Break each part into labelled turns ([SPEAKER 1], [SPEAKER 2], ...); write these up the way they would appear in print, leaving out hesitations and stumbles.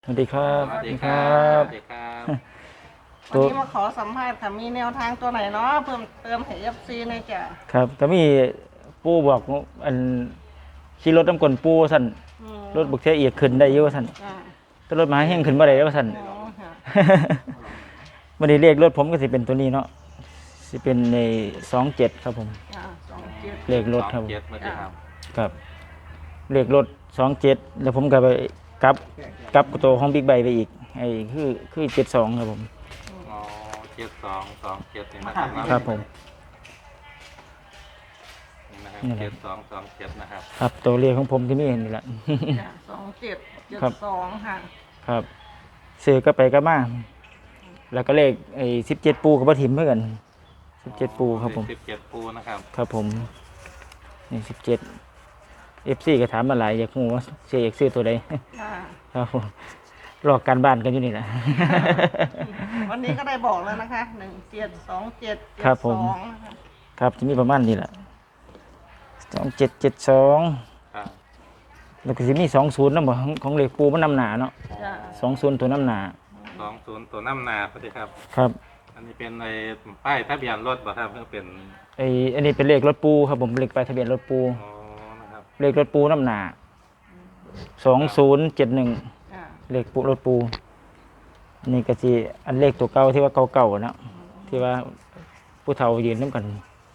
[SPEAKER 1] สวัสดีครับ
[SPEAKER 2] สวัสดีครับสวัสดีครับ
[SPEAKER 3] วันนี้มาขอสัมภาษณ์ค่ะมีแนวทางตัวไหนเนาะเพิ่มเติมให้ FC หน่อยจ้ะ
[SPEAKER 1] ครับก็มีปู่บอกอันขี่รถน้ำกลปู่สั่นรถบุกเทียเอียกขึ้นได้เยอะสั่น
[SPEAKER 3] อ่า
[SPEAKER 1] แต่รถมหาแห้งขึ้นบ่ได้แล้วสั่น
[SPEAKER 3] อ๋อค่ะ
[SPEAKER 1] วันนี้เลขรถผมก็สิเป็นตัวนี้เนาะสิเป็นใน27ครับผม
[SPEAKER 3] 27
[SPEAKER 1] เลขรถครับผม
[SPEAKER 2] 27มาดีครับ
[SPEAKER 1] ครับเลขรถ27แล้วผมก็ไปกลับกลับตัวของบิ๊กไบค์ไปอีกไอ้คือ72ครับผม
[SPEAKER 2] อ๋อ7227นี่นะครับ
[SPEAKER 1] ครับผม
[SPEAKER 2] นี่นะครับ
[SPEAKER 1] นี่แหละ
[SPEAKER 2] 7227นะครับ
[SPEAKER 1] ครับตัวเลขของผมที่มีนี่แหละ
[SPEAKER 3] จ้ะ27
[SPEAKER 1] ครับ
[SPEAKER 3] 72ค่ะ
[SPEAKER 1] ครับซื้อก็ไปก็มาแล้วก็เลขไอ้17ปูกับบ่ถิ่มเพื่อกัน17ปูครับผม
[SPEAKER 2] 17ปูนะครับ
[SPEAKER 1] ครับผมนี่17 FC ก็ถามมาหลายอยากรู้ว่าเสียอยากซื้อตัวใด
[SPEAKER 3] ค่ะ
[SPEAKER 1] ครับผมรอการบ้านกันอยู่นี่แหละ
[SPEAKER 3] วันนี้ก็ได้บอกแล้วนะคะ1727
[SPEAKER 1] ครับผม
[SPEAKER 3] 72นะคะ
[SPEAKER 1] ครับจะมีประมาณนี้แหละ2772
[SPEAKER 2] ครับ
[SPEAKER 1] แล้วก็สิมี20นำบ่ของเลขปูมันนำหนาเนาะ
[SPEAKER 3] จ้ะ
[SPEAKER 1] 20ตัวนำหนา
[SPEAKER 2] 20ตัวน้ำนาพอดีครับ
[SPEAKER 1] ครับ
[SPEAKER 2] อันนี้เป็นในป้ายทะเบียนรถบ่ครับเพื่อเป็น
[SPEAKER 1] อันนี้เป็นเลขรถปูครับผมเลขป้ายทะเบียนรถปู
[SPEAKER 2] อ๋อนะครับ
[SPEAKER 1] เลขรถปูน้ำหนา2071
[SPEAKER 3] จ้ะ
[SPEAKER 1] เลขปูรถปูนี่ก็สิอันเลขตัวเก่าที่ว่าเก่าๆนะที่ว่าผู้เฒ่ายืนน้ำกัน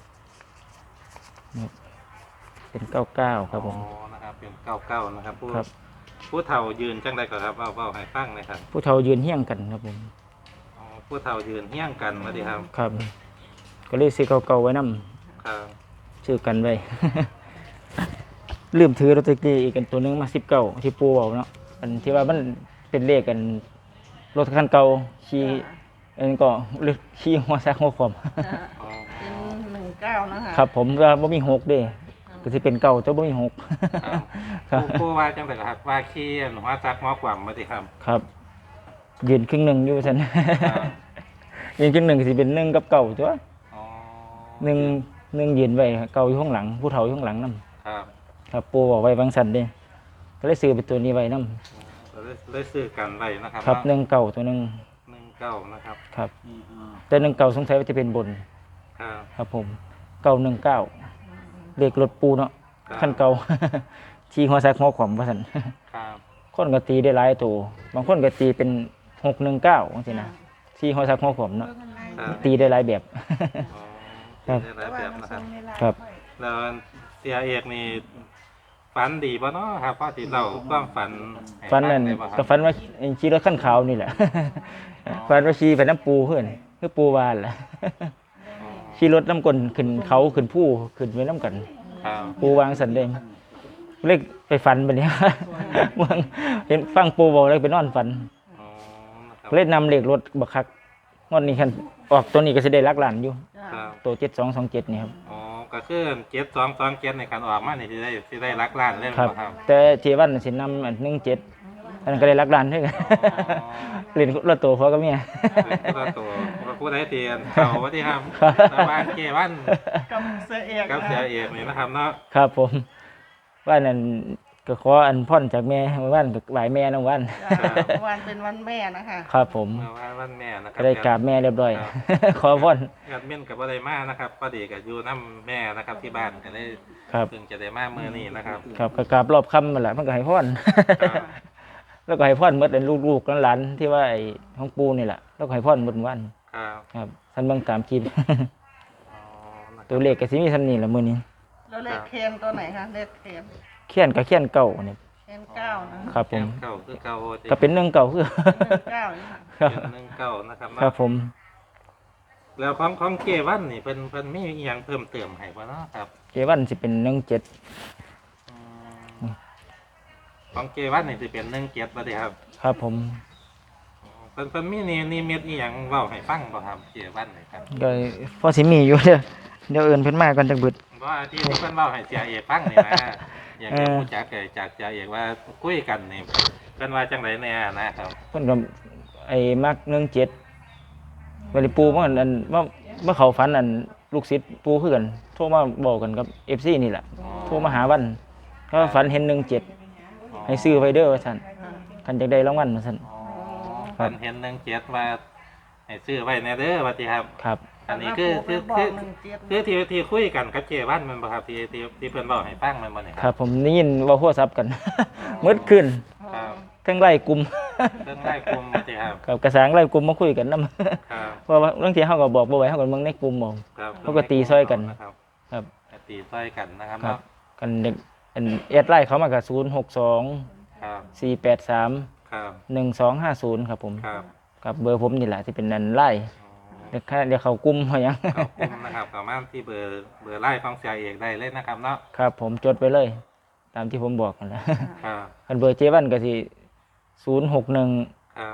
[SPEAKER 1] นี่เป็น99ครับผม
[SPEAKER 2] อ๋อนะครับเป็น99นะครับผู้
[SPEAKER 1] ครับ
[SPEAKER 2] ผู้เฒ่ายืนจังไดก่อนครับเว้าให้ฟังหน่อยครับ
[SPEAKER 1] ผู้เฒ่ายืนเฮี้ยงกันครับผม
[SPEAKER 2] อ๋อผู้เฒ่ายืนเฮี้ยงกันมาดีครับ
[SPEAKER 1] ครับ ก็เลยซื้อเก่าๆไว้นํ
[SPEAKER 2] ครับ
[SPEAKER 1] ซื้อกันไว้ ลืมถือลอตเตอรี่อีกอันตัวหนึงมา19ที่ปูเอาเนาะอันที่ว่ามันเป็นเลขกันรถคันเก่าขี่อันนก็เลขขี่หัวแซกหัวขวม
[SPEAKER 3] จ้ะ
[SPEAKER 2] อ๋อ
[SPEAKER 3] เป็น19นะคะ
[SPEAKER 1] ครับผมว่าบ่มี6เด้ก็สิเป็นเก่าแต่บ่มี6
[SPEAKER 2] ครับ
[SPEAKER 1] ครับ
[SPEAKER 2] ผู้ว่าจังไดครับว่าขี้หัวจักหัวกว่ำมาดีครับ
[SPEAKER 1] ครับยืนครึ่งหนึ่งอยู่ซั่น
[SPEAKER 2] ครับ
[SPEAKER 1] ยืนครึ่งหนึ่งก็สิเป็น1กับเก่าตัว
[SPEAKER 2] อ๋อ
[SPEAKER 1] 1ยืนไว้เก่าอยู่ข้างหลัง ผู้เฒ่าอยู่ข้างหลังนํ
[SPEAKER 2] ครับ
[SPEAKER 1] ครับปู่บอกไว้บางซั่นเด้ก็เลยซื้อเป็นตัวนี้ไว้นํ
[SPEAKER 2] เราได้ซื้อกันไว้นะครับ
[SPEAKER 1] ครับ
[SPEAKER 2] เนาะ
[SPEAKER 1] 1เก่าตัวหนึง
[SPEAKER 2] 19นะครับ
[SPEAKER 1] ครับแต่1เก่าสงสัยว่าจะเป็นบน
[SPEAKER 2] ครับ
[SPEAKER 1] ครับผม919เลขรถปูเนาะคันเก่า ที่หัวซักหัวขวมว่าซั่น
[SPEAKER 2] ครับ
[SPEAKER 1] คนก็ตีได้หลายตัวบางคนก็ตีเป็น619จังซี่นะที่หัวซักหัวขวมเนาะ
[SPEAKER 2] ครับ
[SPEAKER 1] ตีได้หลายแบบ
[SPEAKER 2] อ๋อ
[SPEAKER 1] ครับ
[SPEAKER 2] ได้หลายแบบนะครับ
[SPEAKER 1] ครับ
[SPEAKER 2] แล้วเสียเอกนี่ฝันดีป่ะเนาะครับพ่อที่เราความฝันให้
[SPEAKER 1] ฝันนั่น
[SPEAKER 2] ฟังได้บ่ค
[SPEAKER 1] ก็
[SPEAKER 2] รับ
[SPEAKER 1] ฝันว่าขี่รถคันขาวนี่แหละ ฝันว่าขี่ไปน้ำปูเพื่อนคือปูวานแหละ
[SPEAKER 2] อ๋อ
[SPEAKER 1] ขี่รถน้ำกลนขึ้นเขาขึ้นผู้ขึ้นไปน้ำกัน
[SPEAKER 2] ครับ
[SPEAKER 1] ปูวางสันเดงเล็กไปฝันไปเนี่ย เมืองเห็นฟังปูบอกเลยไปนอนฝัน
[SPEAKER 2] อ๋อนะครับ
[SPEAKER 1] เล่นนำเหล็กรถบักคักงวดนี้คันออกตัวนี้ก็จะได้ลักหลานอยู่
[SPEAKER 2] ครับ
[SPEAKER 1] ตัว7227นี่ครับ
[SPEAKER 2] อ๋อก็คือ7227ในการออกมานี่สิได้รักล้านเลย
[SPEAKER 1] ครับ
[SPEAKER 2] บ่ครับ
[SPEAKER 1] แต่เทวันสินำอัน17อันนั้นก็ได้ลักหลานด้วยกัน เล่นรถตัวพอกับเมีย
[SPEAKER 2] เป็นตัวผู้ใดเตียนเขาว่าที่ครับชาวบ้านเกวัน
[SPEAKER 3] กับเสียเอก
[SPEAKER 2] กับเสียเอกนี่นะครับเนาะ
[SPEAKER 1] ครับผมว่านั่นก็ขออันพ่อนจากแม่ว่านก็ไหวแม่น้องวัน
[SPEAKER 3] จ้ะวันเป็นวันแม่นะคะ
[SPEAKER 1] ครับผม
[SPEAKER 2] เมื่อวานวันแม่นะครั
[SPEAKER 1] ก็ได้กราบแม่เรียบร้อย
[SPEAKER 2] ครับ
[SPEAKER 1] ขอพ่อน
[SPEAKER 2] แอดมินกับว่าได้มานะครับพอดีกับอยู่น้ำแม่นะครับที่บ้านก็เลย
[SPEAKER 1] ครับ
[SPEAKER 2] เพิ่งจะได้มาเมื่อนี้นะครับ
[SPEAKER 1] ครับก็กราบรอบค่ำมาแหละมันก็ให้พ่อน
[SPEAKER 2] ครับ
[SPEAKER 1] แล้วก็ให้พ่อนหมดเป็นลูกๆหลานๆที่ว่าไอ้ของปูนี่แหละแล้วก็ให้พ่อนหมดวัน
[SPEAKER 2] ครับ
[SPEAKER 1] ครับท่านเบิ่งตามคลิป
[SPEAKER 2] อ๋อนะครับ
[SPEAKER 1] ตัวเลขก็สิมีซั่นนี่ละมื้อนี้
[SPEAKER 3] แล้วเลขเคนตัวไหนคะเลขเคน
[SPEAKER 1] เขียนก็เขียนเก่านี่
[SPEAKER 3] เคน9นะครับ
[SPEAKER 1] ผม
[SPEAKER 2] เก้าคือเก้า
[SPEAKER 1] ก็เป็น1เก่าคือ
[SPEAKER 3] 9นี่ค่ะ
[SPEAKER 1] ครับ
[SPEAKER 2] เป็นหนึ่งเก้านะครับ
[SPEAKER 1] ครับผม
[SPEAKER 2] แล้วของเกวันนี่เป็นมีอหย่างเพิ่มเติมให้บ่เนาะครับ
[SPEAKER 1] เจวันสิเป็น17
[SPEAKER 2] อืมของเกวันนี่สิเป็น17บ่ได้ครับ
[SPEAKER 1] ครับผม
[SPEAKER 2] อ๋อเพิ่นมีนี่เม็ดอีหยังเว้าให้ฟังบ่ครับเกวันนี่ครับ
[SPEAKER 1] ก็พอสิมีอยู่เดี๋ยวเอิ้นเพิ่นมาก่อนจักบึด
[SPEAKER 2] ว่าที่เพิ่นเว้าให้เสียเอกฟังนี่นะอยากจะรู้จักจากเสียเอกว่าคุยกันนี่เพิ่นว่าจังไดแน่นะครับ
[SPEAKER 1] เพิ่นก็ไอ้มัก17วันนี้ปูมันอันว่าเขาฝันอันลูกศิษย์ปูคือกันโทรมาบอกกันกับ FC นี่แหละโทรมาหาวันเขาฝันเห็น17ให้ซื้อไว้เด้อว่าซั่น
[SPEAKER 3] อ่า
[SPEAKER 1] คันอยากได้รางวัลว่าซั่น
[SPEAKER 2] อ๋อฝันเห็น17ว่าให้ซื้อไว้แน่เด้อว่าติครับ
[SPEAKER 1] ครับ
[SPEAKER 2] อันนี้คือ
[SPEAKER 3] บอก17
[SPEAKER 2] ที่คุยกันกับเจวันแมันบ่ครับที่เพิ่นบอกให้ฟังแมันบ่เนี่ย
[SPEAKER 1] ครับผมได้ยินเว้าโทรศัพท์กัน มืดขึ้น
[SPEAKER 2] ครับ
[SPEAKER 1] ทั้งไล่กลุ่ม
[SPEAKER 2] เรื่องไล่กลุ่มว่าติครับ
[SPEAKER 1] กับกระสางไล่กลุ่มมาคุยกันนำ
[SPEAKER 2] ครับ
[SPEAKER 1] เพราะว่าบางทีเฮาก็บอกบ่ไหวเฮาก็เบิ่งในกลุ่มเอา
[SPEAKER 2] ครับ
[SPEAKER 1] เขาก็ตีซ้อยกัน
[SPEAKER 2] นะครับ
[SPEAKER 1] ครับ
[SPEAKER 2] ตีซ้อยกันนะครับ
[SPEAKER 1] ครับ
[SPEAKER 2] เนาะ
[SPEAKER 1] กันเด็กอันแอดไลน์เขามาก็062
[SPEAKER 2] ครับ
[SPEAKER 1] 483
[SPEAKER 2] ครับ
[SPEAKER 1] 1250ครับผม
[SPEAKER 2] ครับ
[SPEAKER 1] กับเบอร์ผมนี่แหละที่เป็นนันไล่
[SPEAKER 2] อ๋อ
[SPEAKER 1] เดี๋ยวเขากลุ่มเขาหยัง
[SPEAKER 2] ขอบคุณนะครับสามารถที่เบอร์ไล่ของเสียเอกได้เลยนะครับเนาะ
[SPEAKER 1] ครับผมจดไปเลย ตามที่ผมบอกกันแหล้ว
[SPEAKER 2] ครับ
[SPEAKER 1] คันเบอร์เจวันก็สิ061
[SPEAKER 2] ครับ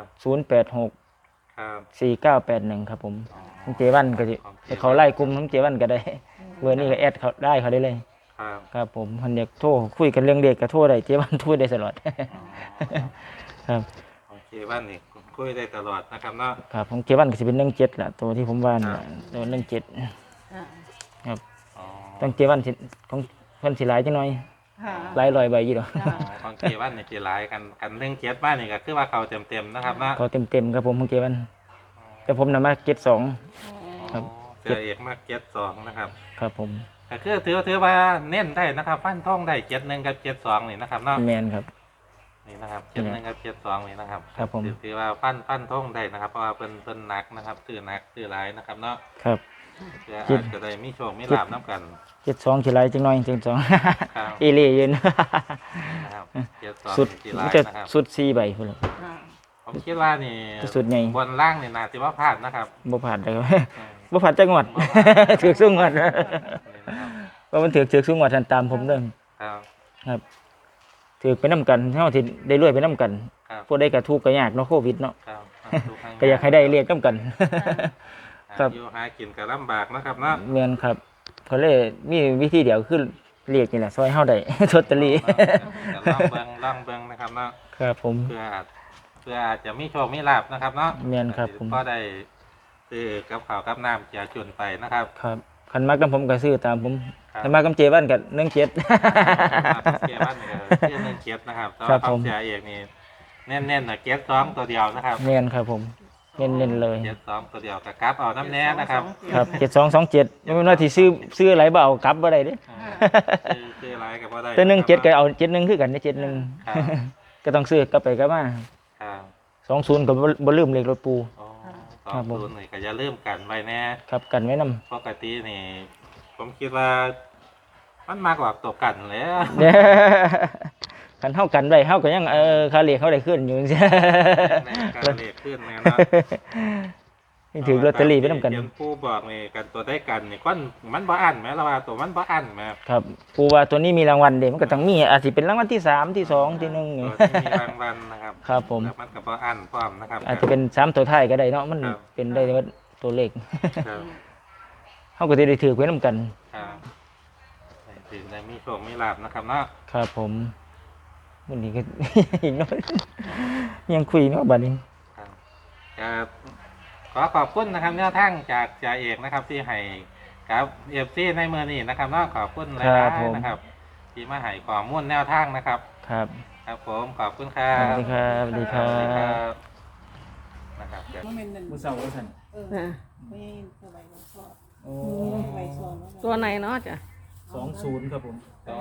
[SPEAKER 1] 086
[SPEAKER 2] ครับ
[SPEAKER 1] 4981ครับผม
[SPEAKER 2] อ๋อ
[SPEAKER 1] ของเจวันก็สิให้เขาไล่กลุ่มของเจวันก็ได้ เบอร์นี้ก็แอดเขาได้เขาได้เลย
[SPEAKER 2] ครับ
[SPEAKER 1] ครับผมเพิ่นอยากโทรคุยกันเรื่องเด็กก็โทรได้เจวันพูดได้ตลอด
[SPEAKER 2] อ๋อ
[SPEAKER 1] ครับ
[SPEAKER 2] โอเคว่านี่คุยได้ตลอดนะครับเนาะ
[SPEAKER 1] ครับของเจวันก็สิเป็น17ล่ะตัวที่ผมว่านี่ล่ะตัว17 ครับ
[SPEAKER 2] อ๋อ
[SPEAKER 1] ต้องเจวันสิของเพิ่นสิหลายจังหน่อย
[SPEAKER 3] ค่ะ
[SPEAKER 1] หลายร้อยใบอยู่ดอก
[SPEAKER 3] จ้ะ
[SPEAKER 2] ของเจวันนี่สิหลายกันเรื่องเจ็ดบ้านนี่ก็คือว่าเขาเต็มๆนะครับเนาะ
[SPEAKER 1] เขาเต็มๆครับผมของเจวันแต่ผมนำมา72 ครับ
[SPEAKER 2] เสียเอกมาก72นะครับ
[SPEAKER 1] ครับผม
[SPEAKER 2] ก็คือถือว่าเน้นได้นะครับฟันท่องได้71กับ72นี่นะครับเนาะ
[SPEAKER 1] แมนครับ
[SPEAKER 2] นี่นะครับ71กับ72นี่นะครับ
[SPEAKER 1] ครับผม
[SPEAKER 2] ถือว่าฟันท่องได้นะครับเพราะว่าเพิ่นหนักนะครับซื้อหนักซื้อหลายนะครับเนาะ
[SPEAKER 1] ครับ
[SPEAKER 2] เพื่ออาจจะได้มีโชคมีลาบน้ำกัน
[SPEAKER 1] 72สิหลายจังหน่อย72
[SPEAKER 2] ครับ
[SPEAKER 1] อีหลียืน
[SPEAKER 2] นะครับ72
[SPEAKER 1] สุด
[SPEAKER 2] สิห
[SPEAKER 1] มั
[SPEAKER 2] ลาน ย
[SPEAKER 1] จะ
[SPEAKER 2] นะครับ
[SPEAKER 1] สุด4ใบพุ่นล่ะ
[SPEAKER 3] ค่ะ
[SPEAKER 2] ผมคิดว่านี่
[SPEAKER 1] สุดใหญ่
[SPEAKER 2] บนล่างนี่นาสิว่าพลาดนะครับ
[SPEAKER 1] บ่ผ่านเลยครับ
[SPEAKER 2] อืม
[SPEAKER 1] บ่ผ่านจังหวัด
[SPEAKER 2] บ่ผ่าน
[SPEAKER 1] ถือสูงหวัด
[SPEAKER 2] นี่นะครับ
[SPEAKER 1] ว่ามันถือสูงหวัดทันตามผมเด้อ
[SPEAKER 2] ครับ
[SPEAKER 1] ครับถือไปนํกันเฮาสิได้รวยไปนํกัน
[SPEAKER 2] ครับ
[SPEAKER 1] ผู้ใดก็ทุกข์ก็ยากเนาะโควิดเนาะ
[SPEAKER 2] ครับทุทง
[SPEAKER 1] ก็อยากให้ได้เรียกนํกัน ครับ
[SPEAKER 2] อยู่หากินก็ลำบากนะครับเนาะ
[SPEAKER 1] แม่นครับเขาเลยมีวิธีเดียวคือเรียกนี่แหละซอยเฮาได้ ลอตเตอรี่
[SPEAKER 2] ลองเบิ่งนะครับเนาะ
[SPEAKER 1] ครับผม
[SPEAKER 2] เพื่ออาจจะมีโชคมีลาบนะครับเนาะ
[SPEAKER 1] แม่นครับผม
[SPEAKER 2] ก็ได้ซื้อกับข้าวกับน้ำเจียจุนไปนะครับ
[SPEAKER 1] ครับคันมักนำผมก็ซื้อตามผม
[SPEAKER 2] ครับ
[SPEAKER 1] คันมักกำเจวันก็17
[SPEAKER 2] เกียร์บ้านนี่ก็เกียร์หนึ่งเกียร์นะครับแต่
[SPEAKER 1] ครั
[SPEAKER 2] ว่า
[SPEAKER 1] บ
[SPEAKER 2] ข
[SPEAKER 1] ผ
[SPEAKER 2] อง
[SPEAKER 1] ม
[SPEAKER 2] เสียเอกนี่แน่นๆนะเกียร์สองตัวเดียวนะครับ
[SPEAKER 1] แม่นครับผมเน้นๆเลย
[SPEAKER 2] เกียร์สองตัวเดียวกับกราฟเอาน้ำแน่นะครับ
[SPEAKER 1] ครับ7227ไม่แม่นว่าที่ซื้อหลายบ่เอากลับบ่ได้เด้
[SPEAKER 2] ซื้ออะไรกับว่าได้
[SPEAKER 1] แต่17ก็เอา71คือกันเด้71
[SPEAKER 2] ครับ
[SPEAKER 1] ก็ต้องซื้อกลับไปกลับมา
[SPEAKER 2] ครับ
[SPEAKER 1] 20ก็บ่ลืมเลขรถปู
[SPEAKER 2] อ๋อส
[SPEAKER 1] ครั
[SPEAKER 2] อบ ง
[SPEAKER 1] ผม
[SPEAKER 2] ศูนย์นี่ก็อย่าลืมกันไว้แน่
[SPEAKER 1] ครับกันไว้นำ
[SPEAKER 2] ปกตินี่ ผมคิดว่า มันมากกว่าตกกันแล้ว
[SPEAKER 1] เด้อคันเฮากันไว้เฮาก็ยังค่าเรียกเฮาได้ขึ้นอยู่จังซี่
[SPEAKER 2] ในการเลขขึ้นนะครับ
[SPEAKER 1] นี่ถือลอตเตอรี่ไปนำกัน
[SPEAKER 2] เขียนผู้บอกนี่กันตัวได้กันนี่ก้อนมันบ่อันไหมเราว่าตัวมันบ่อันไหม
[SPEAKER 1] ครับปูว่าตัวนี้มีรางวัลเด้มันก็ต้องมีอาจสิเป็นรางวัลที่3ที่2ที่1นี่
[SPEAKER 2] ตัวที่มีรางวัลนะครับ
[SPEAKER 1] ครับผม
[SPEAKER 2] แล้วมันกับบ่อันพร้อมนะครับ
[SPEAKER 1] อาจจะเป็น3ตัวท้ายก็ได้เนาะมัน
[SPEAKER 2] ครับ
[SPEAKER 1] เป็นได้ว่าตัวเลข
[SPEAKER 2] ครับ
[SPEAKER 1] เฮาก็สิได้ถือไว้นำกัน
[SPEAKER 2] ครับถึงได้มีโชคมีลาบนะครับเนาะ
[SPEAKER 1] ครับผมวันนี้ก็ อีกน้อยยังคุยเนาะบัดนี้
[SPEAKER 2] ครับขอขอบคุณนะครับแนวทางจากจ่าเอกนะครับ ที่ให้กับเอฟซีในเมื่อนี้นะครับเนาะขอบคุณหลายๆนะครับ ที่มาให้ข้อมูลแนวทางนะครับ
[SPEAKER 1] ครับ
[SPEAKER 2] ครับผมขอบคุณครั
[SPEAKER 1] ส
[SPEAKER 2] บ
[SPEAKER 1] วัสดีครับสวัสดีครั
[SPEAKER 2] สวัสดีครับ
[SPEAKER 1] บ
[SPEAKER 2] นะครับเดี๋ยว
[SPEAKER 1] มื้อเช้าว่าซั่น
[SPEAKER 3] อ่ะ
[SPEAKER 1] โอ้
[SPEAKER 3] ตัวไหนเนาะจ้ะ
[SPEAKER 1] 20ครับผม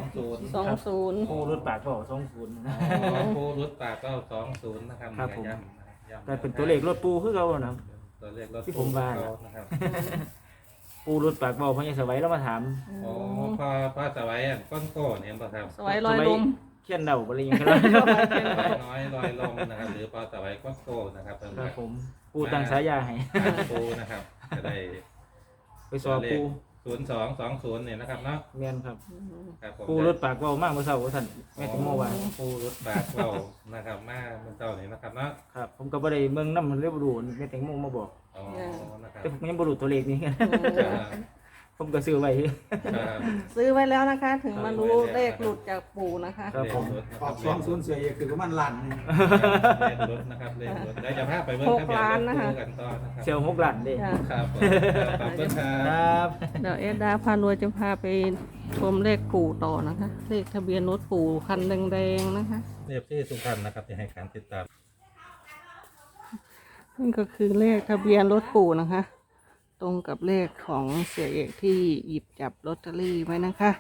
[SPEAKER 3] 20
[SPEAKER 1] ปูรถปากก็20นะ
[SPEAKER 2] ผู้รุดปากก็20นะครับ
[SPEAKER 1] ครับผม
[SPEAKER 2] ย้ำ
[SPEAKER 1] แต่เป็นตัวเลขรถปูคือเก่านะครับ
[SPEAKER 2] ตัวเลขรถ
[SPEAKER 1] ที่ผมว่า
[SPEAKER 2] นะครับ
[SPEAKER 1] ปูรถปากเว้าเพิ่นยังสวัยแล้วมาถาม
[SPEAKER 2] โอ้พ่อสวัยอันก้อนโก้เนี่ยป่ะครับ
[SPEAKER 3] สวยลอยลม
[SPEAKER 1] เขียนเดาบ่เลยยังครับ
[SPEAKER 2] น้อยลอยลมนะครับ หรือพ่อสวัยก้อนโก้นะครับเพิ่น
[SPEAKER 1] ครับผมปูตั้งฉายาให้
[SPEAKER 2] ปูนะครับจะได้
[SPEAKER 1] ไปสอบปู
[SPEAKER 2] 0220เนี่ยนะครับเนาะ
[SPEAKER 1] แม่นครับ
[SPEAKER 2] ครับผม
[SPEAKER 1] ปูรถปากเว้ามากมื้อเช้าว่าซั่นแม่ติโมว่า
[SPEAKER 2] ปูรถปากเบานะครับมาเมื่อเช้านี้นะครับเนาะ
[SPEAKER 1] ครับ ผมก็บ่ได้เบิ่งนำเรียบรู้แม่ติโมมาบอก
[SPEAKER 2] อ๋อนะครับ
[SPEAKER 1] แต่ผมยังบ่รู้ตัวเลขนี้
[SPEAKER 2] จะ
[SPEAKER 1] ผผมก็ซื้อไว้
[SPEAKER 2] ครับ
[SPEAKER 3] ซื้อไว้แล้วนะคะ ถึงมารู้เลขหลุดจากปู่นะคะ
[SPEAKER 1] ครับผม
[SPEAKER 4] ออก20เสียเอกคือประมาณล้านหนึง
[SPEAKER 2] เลขรถนะครับเลขรถได้จะพาไปเบิ่งทะเบียนรถคู่กันต่อนะครับ
[SPEAKER 1] เซลล์6 ล้านเด้
[SPEAKER 3] จ้ะ
[SPEAKER 2] ครับผมขอบคุณครั
[SPEAKER 1] ค
[SPEAKER 2] บ
[SPEAKER 1] รับ
[SPEAKER 3] เดี๋ยวเอ็ดดาพารวยจะพาไปชมเลขปู่ต่อนะคะ เลขทะเบียนรถปู่คันแดงๆนะคะ
[SPEAKER 2] เรียบที่ทุกท่านนะครับที่ให้การติดตาม
[SPEAKER 3] นี่ก็คือเลขทะเบียนรถปู่นะคะ ตรงกับเลขของเสียเอกที่หยิบจับลอตเตอรี่ไว้นะคะ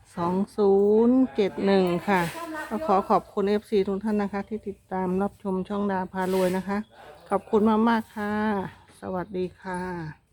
[SPEAKER 3] 2071ค่ะก็ขอขอบคุณ FC ทุกท่านนะคะ ที่ติดตามรับชมช่องดาพารวยนะคะ ขอบคุณมากๆค่ะ สวัสดีค่ะ